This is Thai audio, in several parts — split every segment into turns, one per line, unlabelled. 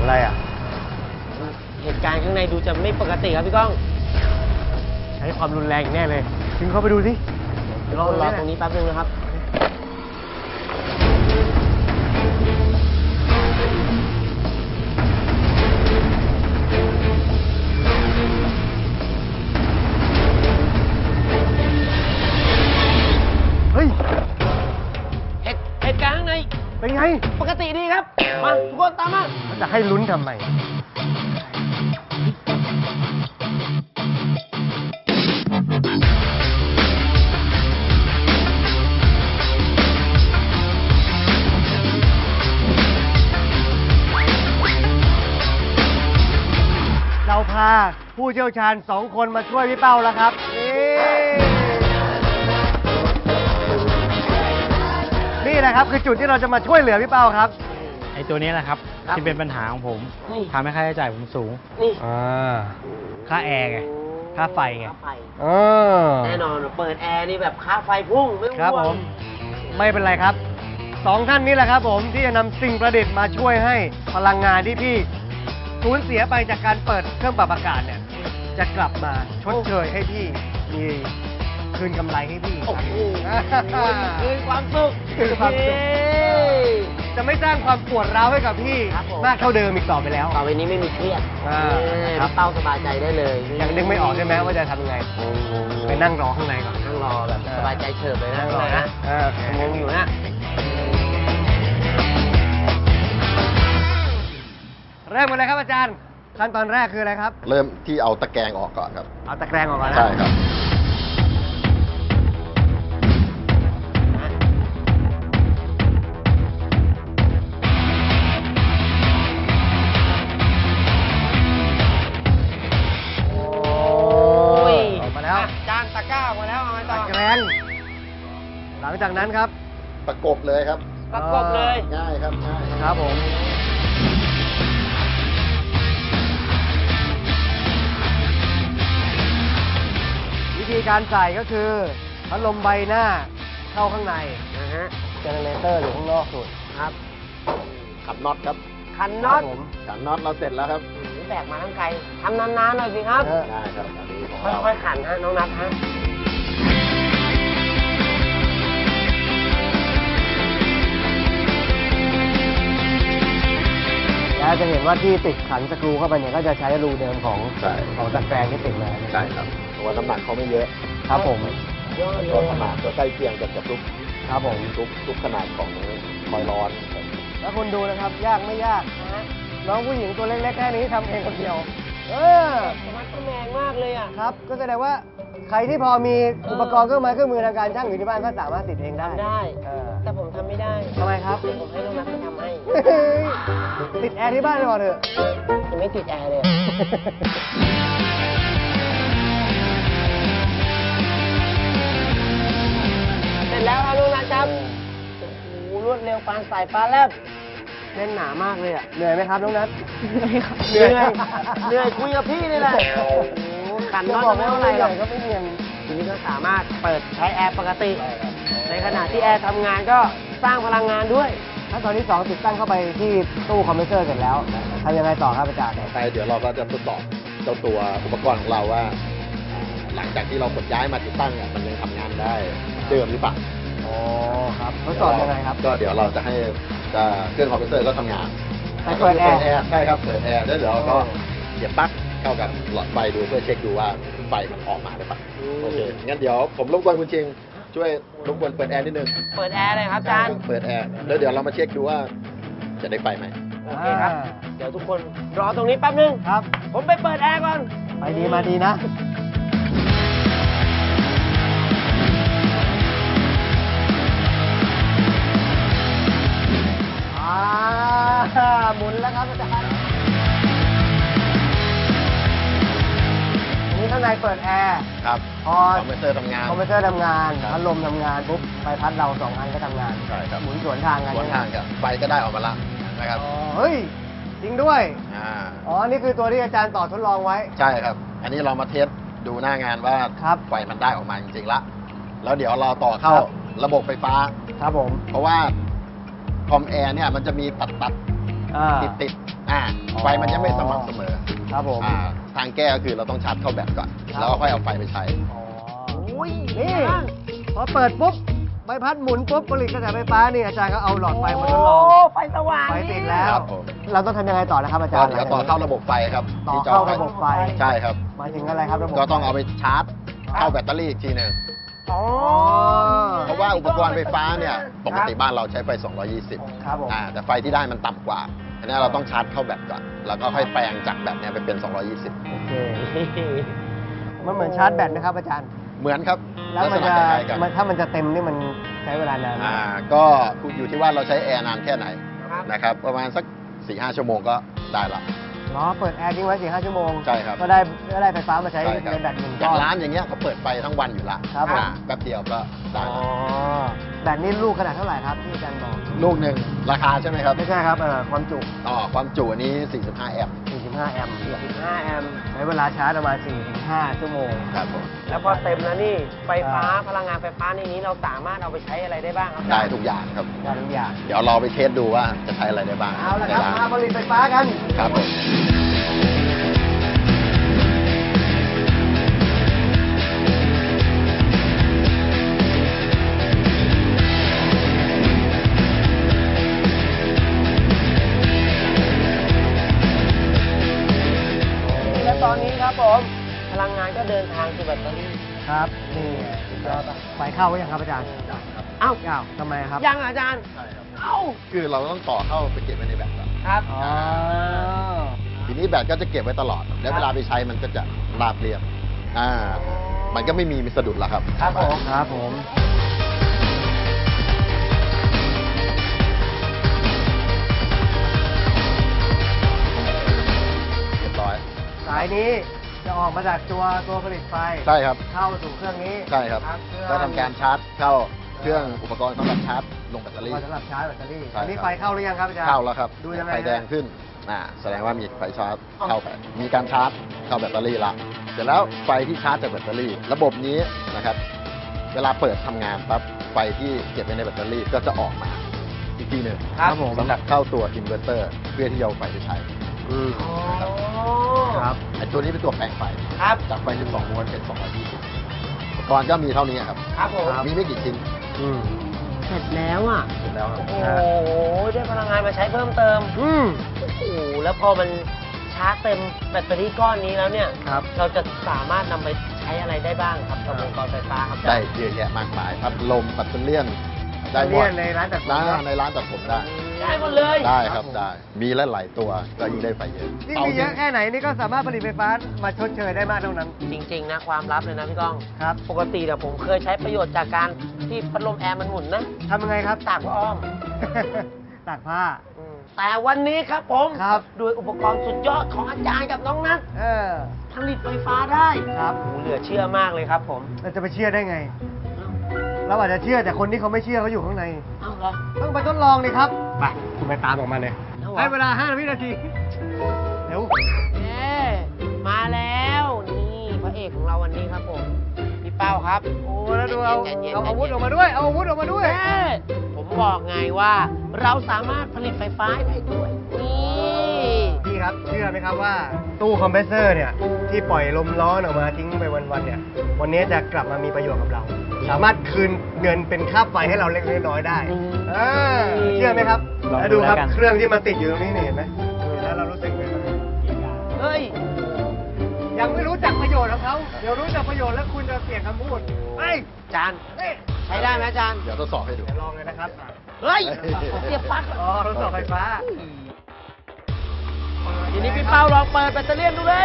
อะไรอ่ะ
เหตุการณ์ข้างในดูจะไม่ปกติครับพี่ก้อง
ใช้ความรุนแรงแน่เลยถึงเข้าไปดูสิ
รอตรงนี้แป๊บนึงนะครับ
เฮ้ย
เหตุการณ์ข้างใน
เป็นไง
ปกติดีครับมาทุกคนตามมา
จะให้ลุ้นทำไมเราพาผู้เชี่ยวชาญ2 คนมาช่วยพี่เป้าแล้วครับนี่แหละครับคือจุดที่เราจะมาช่วยเหลือพี่เป้าครับ
ไอ้ตัวนี้แหละครับที่เป็นปัญหาของผมทำให้ค่าใช้จ่ายผมสูงค่าแอร์ไงค่าไฟไง
แน่นอนเปิดแอร์นี่แบบค่าไฟพุ่งไม่
ครับผมไม่เป็นไรครับ2 ท่านนี้แหละครับผมที่จะนำสิ่งประดิษฐ์มาช่วยให้พลังงานที่พี่สูญเสียไปจากการเปิดเครื่องปรับอากาศเนี่ยจะกลับมาชดเชยให้พี่มีคืนกำไรให้พี่
คืนความสุข
จะไม่สร้างความปวดร้าวให้กับพี่มากเท่าเดิมอีกต่อไปแล้ว
ต่อไปนี้ไม่มีเครียดพี่เป้าสบายใจได้เลย
ยังนึกไม่ออกใช่ไหมว่าจะทำยังไงไปนั่งรอข้างในก่อน
นั่งรอแบบสบายใจเฉิบเลยนะ
นั่งรอนะ
งงอยู่นะ
เริ่มกันเลยครับอาจารย์ขั้นตอนแรกคืออะไรครับ
เริ่มที่เอาตะแกรงออกก่อนครับ
เอาตะแกรงออกก่อนนะ
ใช่ครับ
ออกมาแล้ว
จานตะกร้าออกมาแล้วเอาไงต่อ
ตะแกรงหลังจากนั้นครับ
ประกบเลยครับ
ประกบเลย
ง่ายครับง่าย
ครับผมวิธีการใส่ก็คือพัดลมใบหน้าเข้าข้างใน
นะฮะ
เจเนเรเตอร์อยู่ข้างนอกสุด
ครับ
ขันน็อตครับ
ขันน็อต
ขันน็อตเราเสร็จแล้วครับ
แบกมาทั้งไกลทำนานๆหน่อยสิครับ
ได้ครับอันนี้ของ
เราค่อยๆขันฮะน้องนัทฮะ
แล้วจะเห็นว่าที่ติดขันสกรูเข้าไปเนี่ยก็จะใช้รูเดิมของตะแกรงที่ติดมา
ใช่ครับเพราะว่าน้ำหนักเขาไม่เยอะ
ครับผม
ตัวขนาดตัวใกล้เคียงกับทุก
ครับผม
ทุกขนาดของคอยร้อน
แล้วคุณดูนะครับยากไม่ยากนะน้องผู้หญิงตัวเล็กๆแค่นี้ทำเองคนเดียว
มันก็แมงมากเลยอ่ะ
ครับก็แสดงว่าใครที่พอมีอุปกรณ์เครื่องไม้เครื่องมือทางการช่างอยู่ที่บ้านก็สามารถติดเองได้
แต่ผมทำไม่ได้
ทำไมครับ
ผมให้น้องนัทไปทำให้
ติดแอร์ที่บ้านไปก่อนเถอะ
ยังไม่ติดแอร์เลยเสร็จแล้วครับน้องนัทครับโอ้โหรวดเร็วปานสายฟ้าแลบแน่นหนามากเลยอ่ะ
เหนื่อยไหมครับน้องนัท
เหนื่อยคุยกับพี่นี่แหละขันน็อตไม่เท่าไหร่หรอก
ก็ไม่เนียน
ทีนี้ก็สามารถเปิดใช้แอร์ปกติในขณะที่แอร์ทำงานก็สร้างพลังงานด้วย
ขั้นตอนที่2ติดตั้งเข้าไปที่ตู้คอมเพรสเซอร์เสร็จแล้วทำยังไงต่อครับอาจารย์
ไปเดี๋ยวเราก็จะทดสอบเจ้าตัวอุปกรณ์ของเราว่าหลังจากที่เราขนย้ายมาติดตั้งมันยังทำงานได้เดิมหรือเปล่า
อ๋อครับทดสอบยังไงครับ
ก็เดี๋ยวเราจะให้เครื่องคอมเพรสเซอร์ก็ทำงาน
เปิดแอร์
ใช่ครับเปิดแอร์แล้วเดี๋ยวเราก็เสียบปลั๊กเข้ากับหลอดไฟดูเพื่อเช็คดูว่าไฟมันออกมาหรือเปล่าโอเคงั้นเดี๋ยวผมรบกวนคุณชิงช่วยรบกวนเปิดแอร์นิดนึง
เปิดแอร์เลยครับอาจารย์
เปิดแอร์แล้วเดี๋ยวเรามาเช็คดูว่าจะได้ไฟไหม
โอเคครับเดี๋ยวทุกคนรอตรงนี้แป๊บนึง
ครับ
ผมไปเปิดแอร์ก่อน
ไปดีมาดีนะหมุนแล้วครับอาจารย์นี่ข้างในเปิดแอร์
ครับ
พอ
คอมเพรสเซอร์ทำงาน
พัดลมทำงานปุ๊บใบพัดเรา2 อันก็ทำงาน
ใช่ครับ
หมุนสวนทางกัน
สวนทางกันไฟก็ได้ออกมาละนะครับ
เฮ้ยจริงด้วยอ๋อนี่คือตัวที่อาจารย์ต่อทดลองไว้
ใช่ครับอันนี้เรามาเทสดูหน้างานว่าไฟมันได้ออกมาจริงๆละแล้วเดี๋ยวเราต่อเข้าระบบไฟฟ้า
ครับผม
เพราะว่าคอมแอร์เนี่ยมันจะมีตัดติดไฟมันยังไม่สม่ำเสมอ
ครับผม
ทางแก้ก็คือเราต้องชาร์จเข้าแบตก่อน
ครับ
แล้วก็ค่อยเอาไฟไปใช้
อุ้ย
นี่ พอเปิดปุ๊บใบพัดหมุนปุ๊บผลิตกระแสไฟฟ้านี่อาจารย์ก็เอาหลอดไฟมาทดลอง
โอ้ไฟสว่าง
ไฟติดแล้ว
ครับผม
เราต้องทำยังไงต่อนะครับอาจาร
ก็
ย์
เดี๋ยวต่อเข้าระบบไฟครับ
ต่อ
ที่จ
เข้า
ไว้
ระบบไฟ
ใช่ครับ
หมายถึงอะไรครับระบบ
ก็ต้องเอาไปชาร์จเข้าแบตเตอรี่อีกทีหนึ่ง
อ๋อ
เพราะว่าอุปกรณ์ไฟฟ้าเนี่ยปกติบ้านเราใช้ไฟ 220
ครับผม
แต่ไฟที่ได้มันต่ำกว่าอันนี้เราต้องชาร์จเข้าแบตก่อน แล้วก็ค่อยแปลงจากแบตเนี่ยไปเป็น 220
โอเคมันเหมือนชาร์จแบตนะครับอาจารย์
เหมือนครับ
แล้วมัน
ลั
จะ
กษณคล้ายๆกัน
ถ้ามันจะเต็มนี่มันใช้เวลานานไหม
ก็อยู่ที่ว่าเราใช้แอร์นานแค่ไหน
ครับ
นะครับ ประมาณสัก 4-5 ชั่วโมงก็ได้ละ
เนาะเปิดแอร์ทิ้งไว้ 4-5 ชั่วโมง
ใช่ครับ
ก็ได้ไฟฟ้ามาใช้
ใช่ครับ
ในแบตหนึ่ง
อ
ก้
ย่า
อง น
ร้านอย่างเงี้ยเขาเปิดไฟทั้งวันอยู่ละ
ครับผม
แป๊บเดียวก็ได้
อ๋อ
ละ
แบตนี่ลูกขนาดเท่าไหร่ครับที่อาจารย์บอก
ลูกหนึ่งราคาใช่ไหมครับ
ไม่ใช่ครับความจุ
ความจุอันนี้ 45 แอมป์
45 แอมป์
15 แอมป์
ใช้เวลาชาร์จประมาณ 4-5 ชั่วโมง
ครับผม
แล้วพอเต็มแล้วนี่ ไฟฟ้าพลังงานไฟฟ้าในนี้เราสามารถเอาไปใช้อะไรได้บ้างครับ
ได้ทุกอย่างครับ
ได้ทุกอย่าง
เดี๋ยวเราไปเทสดูว่าจะใช้อะไรได้บ้าง
เอาละครับ
ใน
มาผลิตไฟฟ้ากัน
ครับผม
และตอนนี้ครับผมพลังงานก็เดินทางสู่แบตเตอรี่
ครับนี่สุดยอดปะไฟเข้าหรือยังครับอาจารย์
เอ้า
อ้าวทำไมครับ
ยังอาจารย์
ใช่ครับ
เอ้า
คือเราต้องต่อเข้าไปเก็บไว้ในแบตก่อน
ครับ
อ๋อ
ทีนี้แบตก็จะเก็บไว้ตลอด แล้วเวลาไปใช้มันก็จะราบเรียบมันก็ไม่มีสะดุดแล้วครับ
ครับผม
ครับผม
เรียบร้อย
สายนี้จะออกมาจากตัวผลิตไฟ
ใช่ครับ
เข้าสู่เครื่องนี้
ใช่ครับ
เครื่อง
ก็ทำการชาร์จเข้าเครื่องอุปกรณ์สำหรับชาร์จลงแบตเตอรี่
สำหรับชาร์จแบตเตอรี่
ใช่
อันนี้
ครับ
ไฟเข้าหรือยังครับอาจารย์
เข้าแล้วครับ
ดูยังไง
ไฟแดงขึ้นแสดงว่ามีไฟชาร์จเข้าไปมีการชาร์จเข้าแบตเตอรี่ละเสร็จแล้วไฟที่ชาร์จจากแบตเตอรี่ ระบบนี้นะครับ เวลาเปิดทำงานปั๊บไฟที่เก็บไว้ในแบตเตอรี่ก็จะออกมาอีกทีหนึ่ง
ครับผม
สำหรับเข้าตัวอินเวอร์เตอร์เพื่อที่จะเอาไฟไปใช้
อืม
อ๋อ
ครับ
ไอ้ตัวนี้เป็นตัวแปลงไฟ
ครับ
จากไฟ 12 โวลต์เป็น 220 อุปกรณ์ก็มีเท่านี้ครับ
ครับผม
มีไม่กี่ชิ้น
อืม
เสร็จแล้วอ่ะ
เสร็จแล้วครับ
โอ้โห ได้พลังงานมาใช้เพิ่มเติม
อืม
โอ้โห แล้วพอมันชาร์จเต็มแบตเตอรี่ก้อนนี้แล้วเนี่ย
ครับ
เราจะสามารถนำไปใช้อะไรได้บ้างครับกับอุปกรณ์ไฟฟ้าครับ
ได้เยอะแยะมากมายพัดลมแบตเตอรี่ได้หม
เรีย
ด
นในร้านตัดผม
ในร้านตัดผมได้
ได้หมดเลย
ได้ครับได้ มีหลายๆตัวก็ยิ่งได้ไฟเยอะ
นี่มีเยอะแค่ไหนนี่ก็สามารถผลิตไฟฟ้ามาชดเชยได้มากเท่านั้น
จริงๆนะความลับเลยนะพี่ก้อง
ครับ
ปกติเนี่ยผมเคยใช้ประโยชน์จากการที่พัดลมแอร์มันหมุนนะ
ทำยังไงครับ
ตากผ้าอ้อม
ตากผ้า
แต่วันนี้ครับผม
ครับ
ด้วยอุปกรณ์สุดยอดของอาจารย์กับน้องนัท
เออ
ผลิตไฟฟ้าได้
ครับ
โอ้โหเหลือเชื่อมากเลยครับผม
เราจะไปเชื่อได้ไง เราอาจจะเชื่อแต่คนที่เขาไม่เชื่อเขาอยู่ข้างใน
เอ้าเหรอ
ต้องไปทดลองเลยครับ ไป คุณไปตามออกมาเลย
เอาเหรอ
ให้เวลา 5 วินาที เร็ว
เย้มาแล้ว นี่พระเอกของเราวันนี้ครับผม พี่เป้าครับ
โอ้แล้วดูเอา
ใจย็นๆ
เอาอาวุธ
ใจ
อ
ย็
อน กมาด้วย เอาอาวุธออกมาด้วย
เย้ผมบอกไงว่า เราสามารถผลิตไฟฟ้าได้ด้วย นี่
พี่ครับ เชื่อไหมครับว่า ตู้คอมเพรสเซอร์เนี่ย ที่ปล่อยลมร้อนออกมาทิ้งไปวันๆเนี่ย วันนี้จะกลับมามีประโยชน์กับเรา สามารถคืนเงินเป็นค่าไฟให้เราเล็กๆน้อยๆได้เชื่อไหมครับ
ลองดู
แล้วดูครับ
แล้วกัน
เครื่องที่มันติดอยู่ตรงนี้นี่เห็นไหมเห็นแล้วเรารู้สึกไงบ้าง
เฮ้ย
ยังไม่รู้จักประโยชน์ของเขา เดี๋ยวรู้จักประโยชน์แล้วคุณจะเปลี่ยนคำพูดไป
จาน
เฮ้ย
ใช้ได้ไหมอาจารย์
เดี๋ยวทดสอบให้ดู
เดี๋ยวลองเลยนะครับ
เฮ้ยเสียบปลั๊ก
อ๋อทดสอบไฟฟ้า
ทีนี้พี่เป้าลองเปิดแบตเตอรี่ดูเลย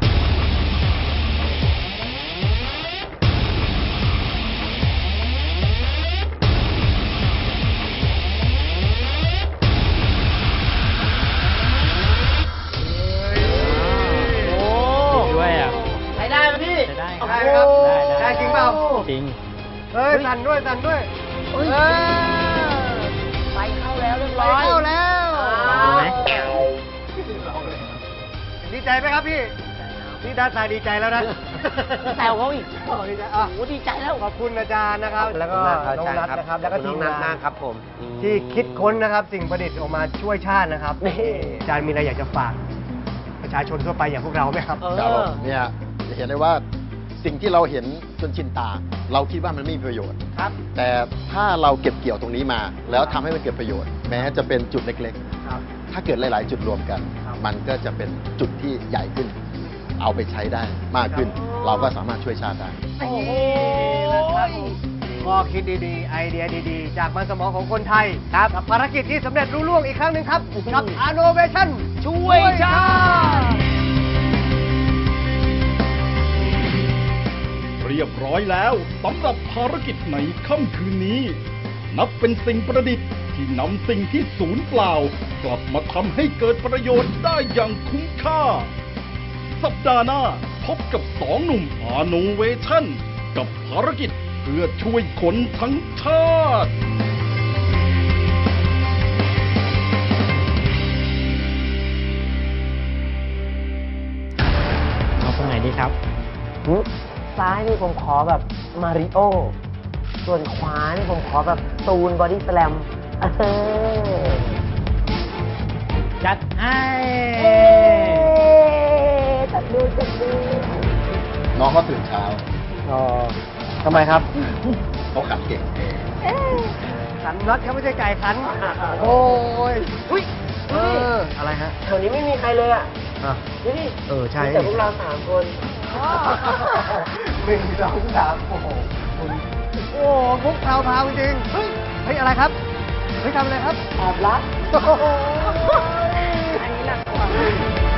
โอ้
ติดด้วยอ่ะ
ใช้ได้ไหมพี่
ใช้ได้
ได้ครับ
โอ้โห
ได้จริงเปล่า
จริง
เฮ้ยสั่นด้วยสั่นด้วย
เฮ้ย
เออ
ไฟเข้าแล้วเรียบ
ไป
ร้อย
เข้าแล้ว
อ่า
ดูไหม
ดีใจไหมครับพี่นี่ด้านซ้ายดีใจแล้วนะ
แซวเขาอีก
ดีใจอ่ะ
โอ้ดีใจแล้ว
ขอบคุณอาจารย์นะครับ แล้วก็น้องนัทนะครับ แล้วก็ทีมงาน
ครับผม
ที่คิดค้นนะครับ สิ่งประดิษฐ์ออกมาช่วยชาตินะครับ
นี่
อาจารย์มีอะไรอยากจะฝากประชาชนทั่วไปอย่างพวกเราไหมครับ
ครับผมเนี่ยจะเห็นได้ว่าสิ่งที่เราเห็นจนชินตา เราคิดว่ามันไม่มีประโยชน์
ครับ
แต่ถ้าเราเก็บเกี่ยวตรงนี้มา แล้วทำให้มันเกิดประโยชน์ แม้จะเป็นจุดเล็ก
ครับ
ๆ ถ้าเกิดหลาย ๆ จุดรวมกัน
ครับ
มันก็จะเป็นจุดที่ใหญ่ขึ้น เอาไปใช้ได้มากขึ้น เราก็สามารถช่วยชาติได้
โอ้โห
ข้อคิดดีๆ ไอเดียดีๆ จากมันสมองของคนไทยครับกับภารกิจที่สำเร็จรุ่ล่วงอีกครั้งหนึ่งครับ กับ Innovation
ช่วยชาติ
เรียบร้อยแล้วสำหรับภารกิจในค่ำคืนนี้ นับเป็นสิ่งประดิษฐ์ที่นำสิ่งที่สูญเปล่า กลับมาทำให้เกิดประโยชน์ได้อย่างคุ้มค่า สัปดาห์หน้าพบกับสองหนุ่ม Innovation กับภารกิจเพื่อช่วยคนทั้งชาติ
เอาตรงไหนดีครับ
ซ้ายนี่ผมขอแบบมาริโอ ส่วนขวานี่ผมขอแบบตูนบอดี้สแลม
จัดให้
จัดดู
น้องเขาตื่นเช้า
อ๋อทำไมครับ
เขาขันเก่ง
ขันน็อตเขาไม่ใช่ไก่ขัน โอ้ย
อุ้ย
อะไรฮะ
แถวนี้ไม่มีใครเลยอ่ะ
อ่ะ
ดูดิ
ใช่
มีแต่พวกเรา3 คน
1 2 3โอ้โหคุณโอ้มุกพราวๆจริงเฮ้ย เฮ้ย อะไรครับ เฮ้ยทำอะไรครับ
แอบรัก
โอ้โห
อันนี้หนักกว่า